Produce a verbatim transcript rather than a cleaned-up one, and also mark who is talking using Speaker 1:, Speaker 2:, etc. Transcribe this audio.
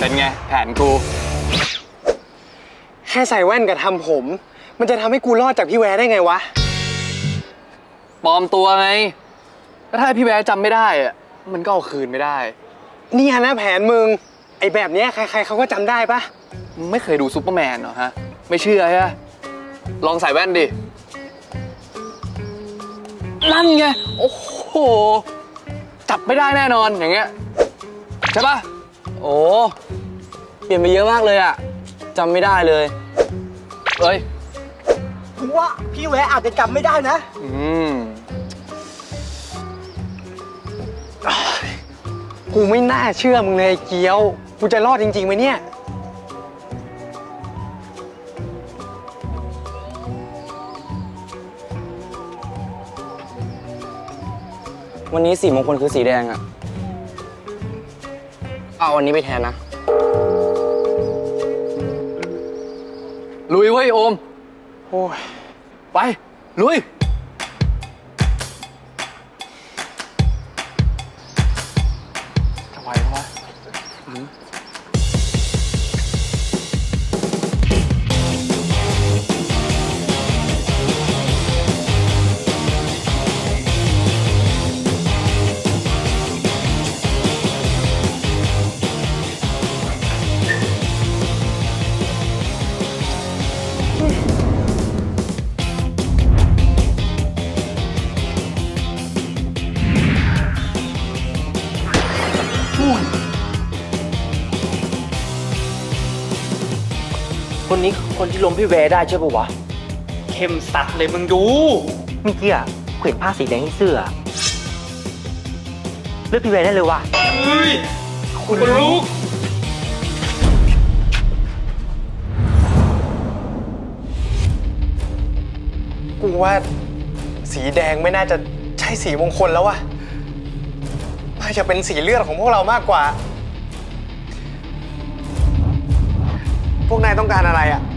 Speaker 1: เป็นไงแผนกู
Speaker 2: แค่ใส่แว่นกับทำผม มันจะทำให้กูรอดจากพี่แวร์ได้ไงวะ
Speaker 1: ปลอมตัวไงแล้วถ้าพี่แวร์จำไม่ได้อะมันก็เอาคืนไม่ได้
Speaker 2: นี่ฮะนะแผนมึงไอ้แบบเนี้ยใครๆเขาก็จำได้ปะ
Speaker 1: มึงไม่เคยดูซูเปอร์แมนเหรอฮะไม่เชื่อใช่ไหมลองใส่แว่นดินั่นไงโอ้โหจับไม่ได้แน่นอนอย่างเงี้ยใช่ปะ
Speaker 3: โอ้เปลี่ยนไปเยอะมากเลยอะจำไม่ได้เลย
Speaker 1: เอ้ย
Speaker 2: กูว่าพี่แวร์อาจจะจำไม่ได้นะ
Speaker 1: อืม
Speaker 2: กูไม่น่าเชื่อมึงเลยเกียวกูจะรอดจริงๆไหมเนี่ย
Speaker 3: วันนี้สีมงคลคือสีแดงอะเอาวันนี้ไปแทนนะ
Speaker 1: ลุยเว้ยโอม
Speaker 2: โอ้ย
Speaker 1: ไปลุยจะไหวไหมวะ
Speaker 4: คนนี้คนที่ล้มพี่แวร์ได้ใช่ปะวะเข้มสัตว์เลยมึงดูเมื่อกี้อะเห็นผ้าสีแดงที่เสื้อเลือกพี่แวร์ได้เลยวะเฮ้ยคุณลูก
Speaker 2: กูว่าสีแดงไม่น่าจะใช่สีมงคลแล้ววะน่าจะเป็นสีเลือดของพวกเรามากกว่าพวกนายต้องการอะไรอ่ะ